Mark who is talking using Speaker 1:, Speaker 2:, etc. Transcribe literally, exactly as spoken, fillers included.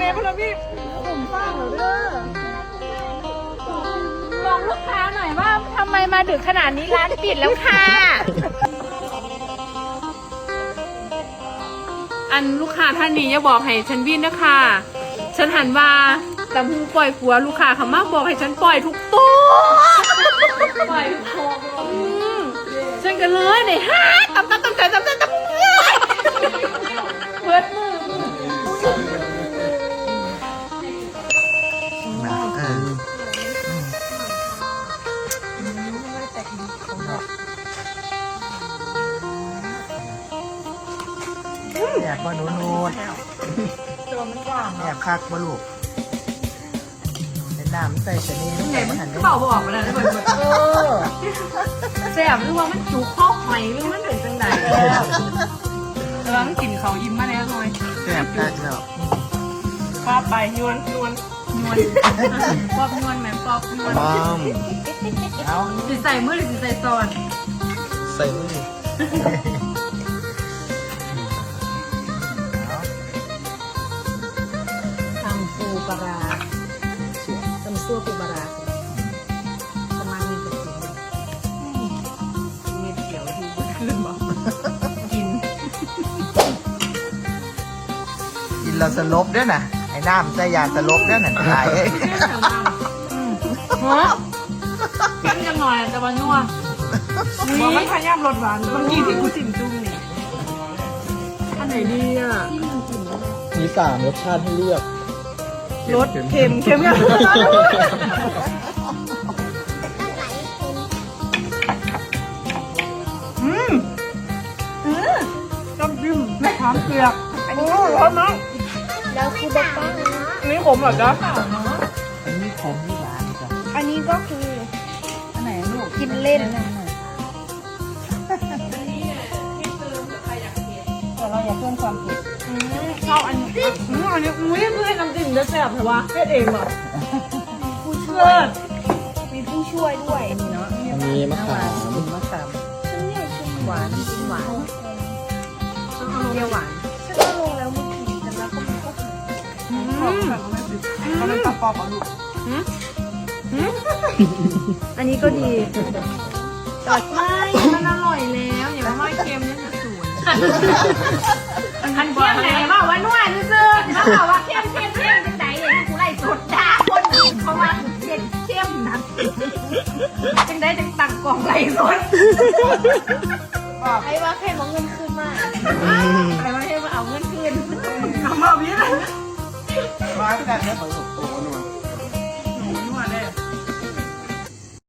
Speaker 1: พลพี่ผมสร้างเหรอเด้อบอกลูกค้าหน่อยว่าทำไมมาดึกขนาดนี้ร้านปิดแล้วค่ะอันลูกค้าท่านนี้อย่าบอกให้ฉันวิ่งนะคะฉันหันว่าตำหูปล่อยผัวลูกค้าเขามาบอกให้ฉันปล่อยทุกตัวปล่อยทุกตัวฉันกันเลยเนี่ยฮะตำตำตำใจตำใจตำเพื่อนมือ
Speaker 2: แอบบ่หนูนูดแอบคักบ่ลูกเป็นน้ำใส่ชนิดไหนมันหัน
Speaker 1: ก็บอกบอกมาแล้วได้หมดเออแซ่บหรือว่ามันจุกข้อหอยหรือมันเป็นจังไหนกำลังกินเขายิ้มมาแล้วหน่อย
Speaker 2: แอบคักแล้ว
Speaker 1: ปอบไปนวลนวลนวลปอบนวลแหมปอบนวล
Speaker 3: บ้าม
Speaker 2: เอา
Speaker 1: สิใส่มือหรือสิใส่ซอน
Speaker 3: ใส่มือ
Speaker 1: ทำปูปลาร้าทำซั่วปูปลาร้าประมาณนี้จะกินเม็ดเขียวดูบนขึ้นบ่กิน
Speaker 2: กินเราสลบด้วยนะไอ้น้ำใส่ยาสลบด้วยน่ะตายเอ้ย
Speaker 1: ฮะกันยังหน่อยแต่ว่านัวบอกมันพยายามลดหวานเมื่อกี้ที่กูจิ้มจุ้งนี่อันไหนดีอ่ะ
Speaker 3: มีสามรสชาติให้เลือก
Speaker 1: รสเค็มเค็มยังอืมอืมน้ำจิ้มไม่ถามเกลืออันนี้ร้อนมาก
Speaker 4: แล้วคือบอกว่า
Speaker 1: อันนี้ขมเหรอจ๊ะ
Speaker 2: อันนี้ขมนี่หวานจ้ะ
Speaker 4: อันนี้ก็คือ
Speaker 1: อันไหนลูก
Speaker 4: กินเล่น
Speaker 1: แต่เราอย่าเพิ่มความเผ็ดชอบอันนี้อืมอันนี้อุ้ยเพื่อนน้ำจิ้มจะแซ่บเหรอวะเผ็ดเองเหรอ
Speaker 4: ผู้ช่
Speaker 1: เพื่
Speaker 4: ว
Speaker 1: อย น
Speaker 4: มีผู้ช่วยด้วย
Speaker 3: อันนี้มะขาม
Speaker 2: มะขาม
Speaker 4: ฉันเนี่ยชิม
Speaker 2: หวานกินหวาน
Speaker 1: เปรี้ยวหวาน
Speaker 4: ฉันก็ลงแล้วเมื่อกี้แต่แล้วก็มันก็หาย
Speaker 1: เขาเป็นปอบๆอ่ะลูก
Speaker 4: อันนี้ก็ดี
Speaker 1: จอดไม่มันอร่อยแล้วอย่ามาเค็มเนี่ยจะสวยอันเค็มไหนว่าว่านัวซื่อๆถ้าบอกว่าเค็มเค็มเค็มจังไหนเนี่ยกูไล่สดด่าคนอื่นเพราะว่าเค็มเค็มนะจังได้จังตักกล่องไล่สด
Speaker 4: ไอ้ว่าแค่มองเงินคืนมาก
Speaker 1: ใครมาให้มาเอาเงินคืนเอามาพี่เลย
Speaker 2: หวานกันแล้วผสมโตนวล